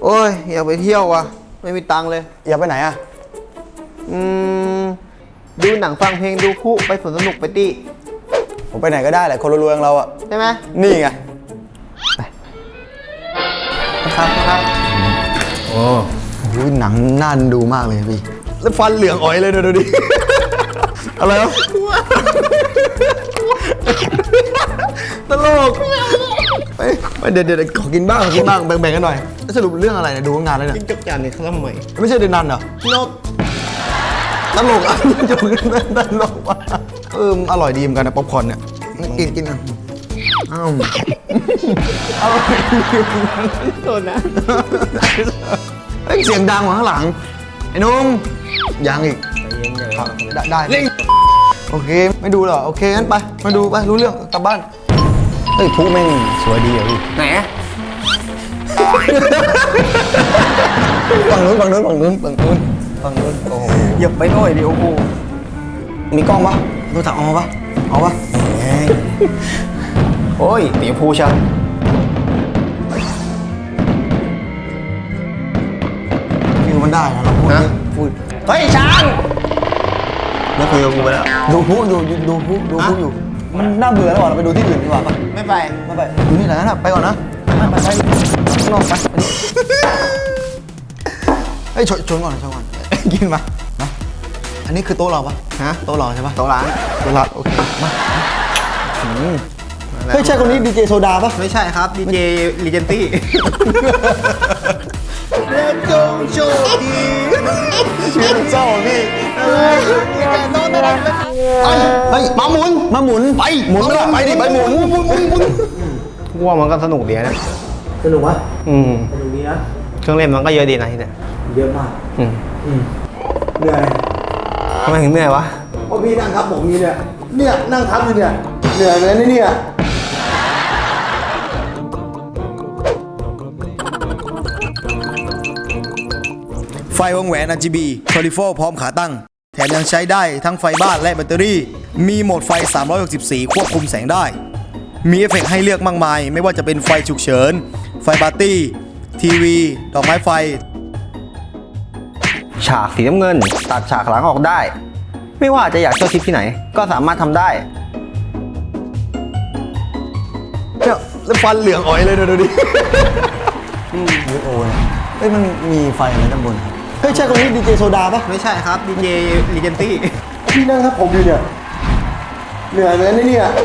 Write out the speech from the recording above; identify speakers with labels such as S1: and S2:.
S1: โอ้ยอยากไปเที่ยวว่ะไม่มีตังค์เลย
S2: อยากไปไหนอ่ะ
S1: ดูหนังฟังเพลงดูคุไปสวนสนุกไปตี้
S2: ผมไปไหนก็ได้แหละคนรวยๆอย่างเราอ่ะ
S1: ใช่ไหม
S2: นี่ไง
S1: ครับ
S2: โอ้โหหนังน่าดูมากเลยพี่แล้วฟันเหลืองอ๋อยเลยดูดิอะไรวะตลกไปเดี๋ยวขอกินบ้างแบ่งกันหน่อยสรุปเรื่องอะไรเนี่ยดูงานเลยเนี่ย
S1: จิ้งจกจานในข้าวใหม่
S2: ไม่ใช่เดนันเหรอน
S1: ก
S2: ตลกอ่ะจะมึงตลกว่ะอร่อยดีเหมือนกันนะป๊อปคอร์นเนี่ยกินนะอ้าวอร่อยดี
S1: โดนนะ
S2: เสียงดังข้างหลังไอ้นุ่มยังอีกได้โอเคไม่ดูหรอโอเคงั้นไปมาดูไปรู้เรื่องกลับบ้านเฮ้ยผู้แม่งสวยดีอ่ะพี่
S1: ไหน
S2: ฝั่งนู้นโอ้โห
S1: อย่าไปหน่อยดิโอ้โห
S2: มีกล้องปะโทรศัพท์เอาปะ
S1: โอ้ยตีพูชัน
S2: ฟิวมันได้นะเราพูด
S1: เฮ้ยช้างไม่คุยกับกูไปแล้ว
S2: ดูผู้อยู่มันน่าเบื่อแล้วเราไปดูที่อื่นดีกว่าปะ
S1: ไม่ไป
S2: ดูนี่แหละนะไปก่อนนะไปข้างนอกไปเฮ้ยชนก่อนกินมาอันนี้คือโต๊ะเราปะโต๊ะเราใช่ปะ
S1: โต๊ะร้าน
S2: โอเคมาเฮ้ยใช่คนนี้ดีเจโซดาปะ
S1: ไม่ใช่ครับดีเจลีเจนตี้และจงโชคดี
S2: ชื่อเจ้าพี่เฮ้ยมาหมุนไปหมุนไปดิไปหมุน
S1: กูว่ามันก็สนุกดีนะ
S2: สนุกวะ
S1: สนุกดีนะเครื่องเล่นมันก็เยอะดีนะที่เนี่ย
S2: เยอะมากเหนื่อย
S1: ทำไมถึงเหนื่อยวะ
S2: เพราะพี่นั่งทับผมเนี่ยนั่งทับอยู่เนี่ยเหนื่อยเลยนะเนี่ยไฟวงแหวน RGB 24พร้อมขาตั้งแถมยังใช้ได้ทั้งไฟบ้านและแบตเตอรี่มีโหมดไฟ360สีควบคุมแสงได้มีเอฟเฟกต์ให้เลือกมากมายไม่ว่าจะเป็นไฟฉุกเฉินไฟปาร์ตี้ทีวีดอกไม้ไฟ
S1: ฉากสีน้ำเงินตัดฉากหลังออกได้ไม่ว่าจะอยากเที่ยวทริปที่ไหนก็สามารถทำได้
S2: เนี่ยแล้วฟันเหลืองอ๋อยเลยดูดิโอ้ยเฮ้ยมันมีไฟอะไรด้านบนเฮ้ยใช่คนนี้ดีเจโซดาปะ
S1: ไม่ใช่ครับดีเจลีเจนตี้
S2: พี่นั่งครับผมอยู่เนี่ยเหนื่อยเลยนะเนี่ย